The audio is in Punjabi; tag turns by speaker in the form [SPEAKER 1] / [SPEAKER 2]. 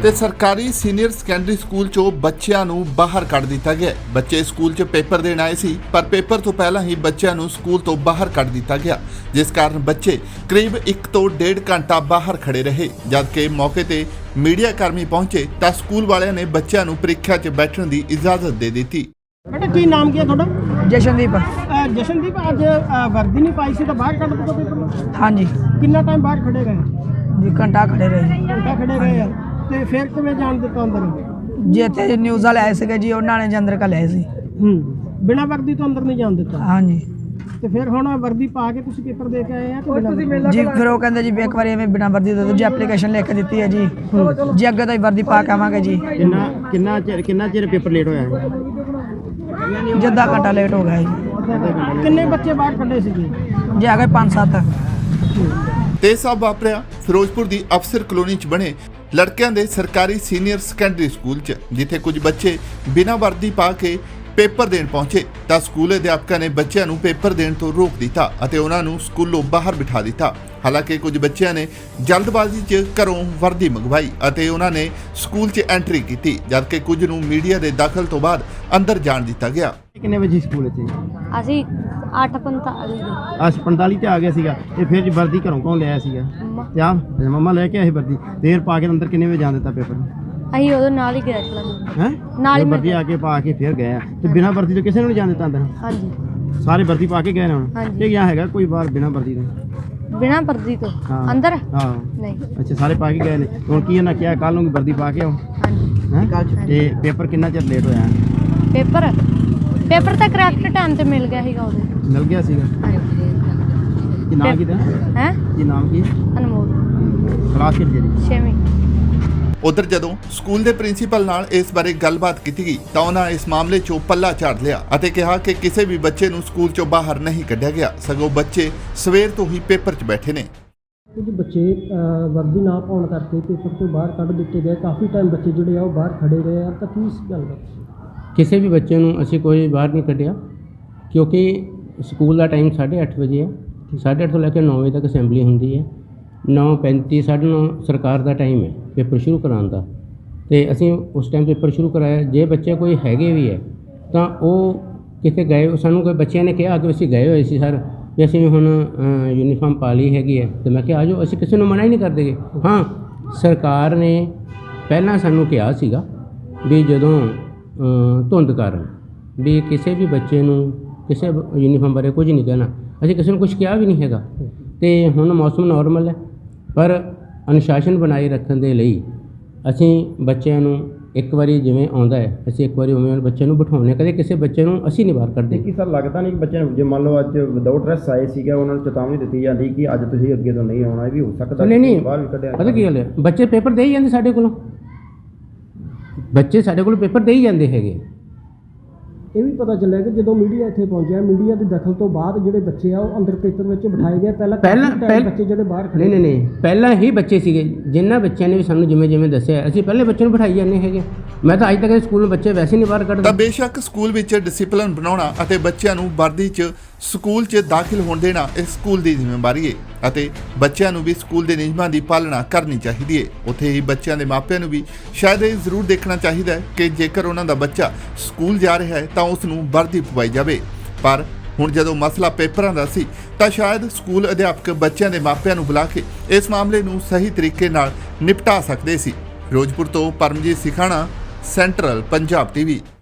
[SPEAKER 1] ਤੇ ਸਰਕਾਰੀ ਸੀਨੀਅਰ ਸੈਕੰਡਰੀ ਸਕੂਲ ਚੋਂ ਬੱਚਿਆਂ ਨੂੰ ਬਾਹਰ ਕੱਢ ਦਿੱਤਾ ਗਿਆ। ਬੱਚੇ ਸਕੂਲ 'ਚ ਪੇਪਰ ਦੇਣ ਆਏ ਸੀ, ਪਰ ਪੇਪਰ ਤੋਂ ਪਹਿਲਾਂ ਹੀ ਬੱਚਿਆਂ ਨੂੰ ਸਕੂਲ ਤੋਂ ਬਾਹਰ ਕੱਢ ਦਿੱਤਾ ਗਿਆ, ਜਿਸ ਕਾਰਨ ਬੱਚੇ ਕਰੀਬ 1 ਤੋਂ 1.5 ਘੰਟਾ ਬਾਹਰ ਖੜੇ ਰਹੇ। ਜਦਕਿ ਮੌਕੇ ਤੇ ਮੀਡੀਆ ਕਰਮੀ ਪਹੁੰਚੇ ਤਾਂ ਸਕੂਲ ਵਾਲਿਆਂ ਨੇ ਬੱਚਿਆਂ ਨੂੰ ਪ੍ਰੀਖਿਆ 'ਚ ਬੈਠਣ ਦੀ ਇਜਾਜ਼ਤ ਦੇ ਦਿੱਤੀ।
[SPEAKER 2] बेटा की नाम क्या थोड़ा?
[SPEAKER 3] जशनदीप।
[SPEAKER 2] जशनदीप आज वर्दी नहीं पाई सी तो बाहर कट दो पेपर।
[SPEAKER 3] हाँ जी
[SPEAKER 2] कितना टाइम बाहर खड़े गए?
[SPEAKER 3] जी घंटा खड़े रहे
[SPEAKER 2] घंटा खड़े गए यार ते फिर किवें जान दिता अंदर?
[SPEAKER 3] जी इतने न्यूज़ वाले आए थे जी, उन्होंने जी अंदर का लिया सी।
[SPEAKER 2] बिना वर्दी तो अंदर नहीं जान दिता?
[SPEAKER 3] हाँ जी।
[SPEAKER 2] ਤੇ ਫਿਰ ਹੁਣ ਵਰਦੀ ਪਾ ਕੇ ਤੁਸੀਂ ਪੇਪਰ ਦੇ ਕੇ ਆਏ ਆ ਕਿ ਬਿਨਾਂ ਵਰਦੀ?
[SPEAKER 3] ਜੀ ਫਿਰ ਉਹ ਕਹਿੰਦੇ ਜੀ ਵੀ ਇੱਕ ਵਾਰੀ ਐਵੇਂ ਬਿਨਾਂ ਵਰਦੀ ਦੇ ਦਿਓ ਜੀ, ਐਪਲੀਕੇਸ਼ਨ ਲਿਖ ਕੇ ਦਿੱਤੀ ਹੈ ਜੀ। ਜੀ ਅੱਗੇ ਤੋਂ ਹੀ ਵਰਦੀ ਪਾ ਕੇ ਆਵਾਂਗੇ ਜੀ।
[SPEAKER 2] ਕਿੰਨਾ ਚਿਰ ਪੇਪਰ ਲੇਟ ਹੋਇਆ ਹੈ?
[SPEAKER 3] ਜੀ ਅੱਧਾ ਘੰਟਾ ਲੇਟ ਹੋ ਗਿਆ ਜੀ।
[SPEAKER 2] ਕਿੰਨੇ ਬੱਚੇ ਬਾਹਰ ਕੱਢੇ ਸੀਗੇ?
[SPEAKER 3] ਜੀ ਆ ਗਏ 5-7।
[SPEAKER 1] ਤੇ ਸਭ ਵਾਪਰਿਆ ਫਿਰੋਜ਼ਪੁਰ ਦੀ ਅਫਸਰ ਕਲੋਨੀ 'ਚ ਬਣੇ ਲੜਕਿਆਂ ਦੇ ਸਰਕਾਰੀ ਸੀਨੀਅਰ ਸੈਕੰਡਰੀ ਸਕੂਲ 'ਚ, ਜਿੱਥੇ ਕੁਝ ਬੱਚੇ ਬਿਨਾਂ ਵਰਦੀ ਪਾ ਕੇ ਪੇਪਰ ਦੇਣ ਪਹੁੰਚੇ ਤਾਂ ਸਕੂਲ ਅਧਿਆਪਕਾਂ ਨੇ ਬੱਚਿਆਂ ਨੂੰ ਪੇਪਰ ਦੇਣ ਤੋਂ ਰੋਕ ਦਿੱਤਾ ਅਤੇ ਉਹਨਾਂ ਨੂੰ ਸਕੂਲੋਂ ਬਾਹਰ ਬਿਠਾ ਦਿੱਤਾ। ਹਾਲਾਂਕਿ ਕੁਝ ਬੱਚਿਆਂ ਨੇ ਜਲਦਬਾਜ਼ੀ 'ਚ ਘਰੋਂ ਵਰਦੀ ਮੰਗਵਾਈ ਅਤੇ ਉਹਨਾਂ ਨੇ ਸਕੂਲ 'ਚ ਐਂਟਰੀ ਕੀਤੀ, ਜਦਕਿ ਕੁਝ ਨੂੰ ਮੀਡੀਆ ਦੇ ਦਖਲ ਤੋਂ ਬਾਅਦ ਅੰਦਰ ਜਾਣ ਦਿੱਤਾ ਗਿਆ।
[SPEAKER 2] ਕਿੰਨੇ ਵਜੇ ਸਕੂਲ ਇੱਥੇ?
[SPEAKER 4] ਅਸੀਂ 8:45 ਦੇ
[SPEAKER 2] 8:45 ਤੇ ਆ ਗਿਆ ਸੀਗਾ ਤੇ ਫਿਰ ਵਰਦੀ ਘਰੋਂ ਕੌਣ ਲਿਆਇਆ ਸੀਗਾ? ਤੇ ਆ ਮੰਮਾ ਲੈ ਕੇ ਆਏ ਵਰਦੀ। ਦੇਰ ਪਾ ਕੇ ਅੰਦਰ ਕਿੰਨੇ ਵਜੇ ਜਾਣ ਦਿੱਤਾ ਪੇਪਰ?
[SPEAKER 4] ਅਸੀਂ ਉਦੋਂ ਨਾਲ ਹੀ ਗਏ ਚਲਾਂਗੇ।
[SPEAKER 2] ਹੈ
[SPEAKER 4] ਨਾਲ ਹੀ
[SPEAKER 2] ਵਰਦੀ ਆ ਕੇ ਪਾ ਕੇ ਫਿਰ ਗਏ ਆ ਤੇ ਬਿਨਾਂ ਵਰਦੀ ਤੋਂ ਕਿਸੇ ਨੂੰ ਨਹੀਂ ਜਾਣ ਦਿੱਤਾ ਅੰਦਰ?
[SPEAKER 4] ਹਾਂਜੀ
[SPEAKER 2] ਸਾਰੇ ਵਰਦੀ ਪਾ ਕੇ ਗਏ ਨੇ ਹੁਣ?
[SPEAKER 4] ਹਾਂਜੀ।
[SPEAKER 2] ਇਹ ਗਿਆ ਹੈਗਾ ਕੋਈ ਬਾਹਰ ਬਿਨਾਂ ਵਰਦੀ ਤੋਂ?
[SPEAKER 4] ਬਿਨਾਂ ਵਰਦੀ ਤੋਂ
[SPEAKER 2] ਹਾਂ।
[SPEAKER 4] ਅੰਦਰ
[SPEAKER 2] ਹਾਂ
[SPEAKER 4] ਨਹੀਂ।
[SPEAKER 2] ਅੱਛਾ, ਸਾਰੇ ਪਾ ਕੇ ਗਏ ਨੇ। ਹੁਣ ਕੀ ਇਹਨਾਂ ਕਿਹਾ ਕੱਲ ਨੂੰ ਵਰਦੀ ਪਾ ਕੇ ਆਓ?
[SPEAKER 4] ਹਾਂਜੀ।
[SPEAKER 2] ਹੈ ਤੇ ਪੇਪਰ ਕਿੰਨਾ ਚਿਰ ਲੇਟ ਹੋਇਆ?
[SPEAKER 4] ਪੇਪਰ ਤਾਂ ਕਰੈਕਟ ਟਾਈਮ ਤੇ ਮਿਲ ਗਿਆ ਸੀਗਾ ਉਦੋਂ।
[SPEAKER 2] ਮਿਲ ਗਿਆ ਸੀਗਾ?
[SPEAKER 4] ਹਾਂਜੀ।
[SPEAKER 2] ਕੀ ਨਾਮ ਕੀ ਦਾ?
[SPEAKER 4] ਹੈ
[SPEAKER 2] ਕੀ ਨਾਮ ਕੀ?
[SPEAKER 4] ਅਨਮੋਲ
[SPEAKER 2] ਕਲਾਸ ਕਿਹੜੀ ਜਿਹੜੀ?
[SPEAKER 4] 6ਵੀਂ।
[SPEAKER 1] ਉਧਰ ਜਦੋਂ ਸਕੂਲ ਦੇ ਪ੍ਰਿੰਸੀਪਲ ਨਾਲ ਇਸ ਬਾਰੇ ਗੱਲਬਾਤ ਕੀਤੀ ਗਈ ਤਾਂ ਉਹਨਾਂ ਇਸ ਮਾਮਲੇ 'ਚੋਂ ਪੱਲਾ ਝਾੜ ਲਿਆ ਅਤੇ ਕਿਹਾ ਕਿ ਕਿਸੇ ਵੀ ਬੱਚੇ ਨੂੰ ਸਕੂਲ 'ਚੋਂ ਬਾਹਰ ਨਹੀਂ ਕੱਢਿਆ ਗਿਆ, ਸਗੋਂ ਬੱਚੇ ਸਵੇਰ ਤੋਂ ਹੀ ਪੇਪਰ 'ਚ ਬੈਠੇ ਨੇ।
[SPEAKER 2] ਕੁਝ ਬੱਚੇ ਵਰਦੀ ਨਾ ਪਾਉਣ ਕਰਕੇ ਪੇਪਰ ਤੋਂ ਬਾਹਰ ਕੱਢ ਦਿੱਤੇ ਗਏ। ਕਾਫੀ ਟਾਈਮ ਬੱਚੇ ਜਿਹੜੇ ਆ ਉਹ ਬਾਹਰ ਖੜੇ ਰਹੇ ਆ, ਤਾਂ ਕੀ ਗੱਲ ਹੈ?
[SPEAKER 5] ਕਿਸੇ ਵੀ ਬੱਚੇ ਨੂੰ ਅਸੀਂ ਕੋਈ ਬਾਹਰ ਨਹੀਂ ਕੱਢਿਆ, ਕਿਉਂਕਿ ਸਕੂਲ ਦਾ ਟਾਈਮ 8:30 ਵਜੇ ਹੈ। 8:30 ਤੋਂ ਲੈ ਕੇ 9 ਵਜੇ ਤੱਕ ਅਸੈਂਬਲੀ ਹੁੰਦੀ ਹੈ। 9:35 9:30 ਸਰਕਾਰ ਦਾ ਟਾਈਮ ਹੈ ਪੇਪਰ ਸ਼ੁਰੂ ਕਰਾਉਣ ਦਾ, ਤੇ ਅਸੀਂ ਉਸ ਟਾਈਮ ਪੇਪਰ ਸ਼ੁਰੂ ਕਰਾਇਆ। ਜੇ ਬੱਚੇ ਕੋਈ ਹੈਗੇ ਵੀ ਹੈ ਤਾਂ ਉਹ ਕਿਤੇ ਗਏ, ਸਾਨੂੰ ਕੋਈ ਬੱਚਿਆਂ ਨੇ ਕਿਹਾ ਕਿ ਅਸੀਂ ਗਏ ਹੋਏ ਸੀ ਸਰ, ਵੀ ਅਸੀਂ ਹੁਣ ਯੂਨੀਫਾਰਮ ਪਾ ਲਈ ਹੈਗੀ ਹੈ, ਤੇ ਮੈਂ ਕਿਹਾ ਆ ਜਾਓ, ਅਸੀਂ ਕਿਸੇ ਨੂੰ ਮਨਾ ਹੀ ਨਹੀਂ ਕਰਦੇਗੇ। ਹਾਂ, ਸਰਕਾਰ ਨੇ ਪਹਿਲਾਂ ਸਾਨੂੰ ਕਿਹਾ ਸੀਗਾ ਵੀ ਜਦੋਂ ਧੁੰਦ ਕਾਰਨ ਵੀ ਕਿਸੇ ਵੀ ਬੱਚੇ ਨੂੰ ਕਿਸੇ ਯੂਨੀਫਾਰਮ ਬਾਰੇ ਕੁਝ ਨਹੀਂ ਕਹਿਣਾ, ਅਸੀਂ ਕਿਸੇ ਨੂੰ ਕੁਝ ਕਿਹਾ ਵੀ ਨਹੀਂ ਹੈਗਾ। ਤੇ ਹੁਣ ਮੌਸਮ ਨਾਰਮਲ ਹੈ, ਪਰ ਅਨੁਸ਼ਾਸਨ ਬਣਾਈ ਰੱਖਣ ਦੇ ਲਈ ਅਸੀਂ ਬੱਚਿਆਂ ਨੂੰ ਇੱਕ ਵਾਰੀ ਜਿਵੇਂ ਆਉਂਦਾ ਹੈ ਅਸੀਂ ਇੱਕ ਵਾਰੀ ਉਵੇਂ ਬੱਚੇ ਨੂੰ ਬਿਠਾਉਂਦੇ ਹਾਂ। ਕਦੇ ਕਿਸੇ ਬੱਚੇ ਨੂੰ ਅਸੀਂ ਨਹੀਂ ਬਾਹਰ ਕਰਦੇ।
[SPEAKER 6] ਕੀ ਸਰ ਲੱਗਦਾ ਨਹੀਂ ਕਿ ਬੱਚੇ ਨੂੰ ਜੇ ਮੰਨ ਲਓ ਅੱਜ ਵਿਦਆਊਟ ਡਰੈਸ ਆਏ ਸੀਗਾ, ਉਹਨਾਂ ਨੂੰ ਚੇਤਾਵਨੀ ਦਿੱਤੀ ਜਾਂਦੀ ਕਿ ਅੱਜ ਤੁਸੀਂ ਅੱਗੇ ਤੋਂ ਨਹੀਂ ਆਉਣਾ, ਇਹ ਵੀ ਹੋ ਸਕਦਾ?
[SPEAKER 5] ਨਹੀਂ
[SPEAKER 6] ਬਾਹਰ ਵੀ ਕੱਢਿਆ
[SPEAKER 5] ਪਤਾ ਕੀ ਗੱਲ ਹੈ, ਬੱਚੇ ਪੇਪਰ ਦੇ ਹੀ ਜਾਂਦੇ ਸਾਡੇ ਕੋਲੋਂ, ਬੱਚੇ ਸਾਡੇ ਕੋਲ ਪੇਪਰ ਦੇ ਹੀ ਜਾਂਦੇ ਹੈਗੇ।
[SPEAKER 2] ਇਹ ਵੀ ਪਤਾ ਚੱਲਿਆ ਕਿ ਜਦੋਂ ਮੀਡੀਆ ਇੱਥੇ ਪਹੁੰਚਿਆ, ਮੀਡੀਆ ਦੇ ਦਖਲ ਤੋਂ ਬਾਅਦ ਜਿਹੜੇ ਬੱਚੇ ਆ ਉਹ ਅੰਦਰ ਪੇਪਰ ਵਿੱਚ ਬਿਠਾਏ ਗਏ। ਪਹਿਲਾਂ ਬੱਚੇ ਜਿਹੜੇ ਬਾਹਰ ਖੜੇ
[SPEAKER 5] ਨਹੀਂ ਪਹਿਲਾਂ ਹੀ ਬੱਚੇ ਸੀਗੇ। ਜਿਨ੍ਹਾਂ ਬੱਚਿਆਂ ਨੇ ਵੀ ਸਾਨੂੰ ਜਿਵੇਂ ਦੱਸਿਆ, ਅਸੀਂ ਪਹਿਲੇ ਬੱਚੇ ਨੂੰ ਬਿਠਾਈ ਜਾਂਦੇ ਹੈਗੇ। ਮੈਂ ਤਾਂ ਅੱਜ ਤੱਕ ਸਕੂਲ ਬੱਚੇ ਵੈਸੇ ਨਹੀਂ ਬਾਹਰ ਕੱਢਦੇ।
[SPEAKER 1] ਤਾਂ ਬੇਸ਼ੱਕ ਸਕੂਲ ਵਿੱਚ ਡਿਸਪਲਿਨ ਬਣਾਉਣਾ ਅਤੇ ਬੱਚਿਆਂ ਨੂੰ ਵਰਦੀ 'ਚ ਸਕੂਲ 'ਚ ਦਾਖਲ ਹੋਣ ਦੇਣਾ ਇਸ ਸਕੂਲ ਦੀ ਜ਼ਿੰਮੇਵਾਰੀ ਹੈ ਅਤੇ ਬੱਚਿਆਂ ਨੂੰ ਵੀ ਸਕੂਲ ਦੇ ਨਿਯਮਾਂ ਦੀ ਪਾਲਣਾ ਕਰਨੀ ਚਾਹੀਦੀ ਹੈ। ਉੱਥੇ ਹੀ ਬੱਚਿਆਂ ਦੇ ਮਾਪਿਆਂ ਨੂੰ ਵੀ ਸ਼ਾਇਦ ਇਹ ਜ਼ਰੂਰ ਦੇਖਣਾ ਚਾਹੀਦਾ ਹੈ ਕਿ ਜੇਕਰ ਉਹਨਾਂ ਦਾ ਬੱਚਾ ਸਕੂਲ ਜਾ ਰਿਹਾ ਹੈ ਤਾਂ ਉਸ ਨੂੰ ਵਰਦੀ ਪਵਾਈ ਜਾਵੇ। ਪਰ ਹੁਣ ਜਦੋਂ ਮਸਲਾ ਪੇਪਰਾਂ ਦਾ ਸੀ ਤਾਂ ਸ਼ਾਇਦ ਸਕੂਲ ਅਧਿਆਪਕ ਬੱਚਿਆਂ ਦੇ ਮਾਪਿਆਂ ਨੂੰ ਬੁਲਾ ਕੇ ਇਸ ਮਾਮਲੇ ਨੂੰ ਸਹੀ ਤਰੀਕੇ ਨਾਲ ਨਿਪਟਾ ਸਕਦੇ ਸੀ। ਫਿਰੋਜ਼ਪੁਰ ਤੋਂ ਪਰਮਜੀਤ ਸਿਖਾਣਾ, ਸੈਂਟਰਲ ਪੰਜਾਬ TV।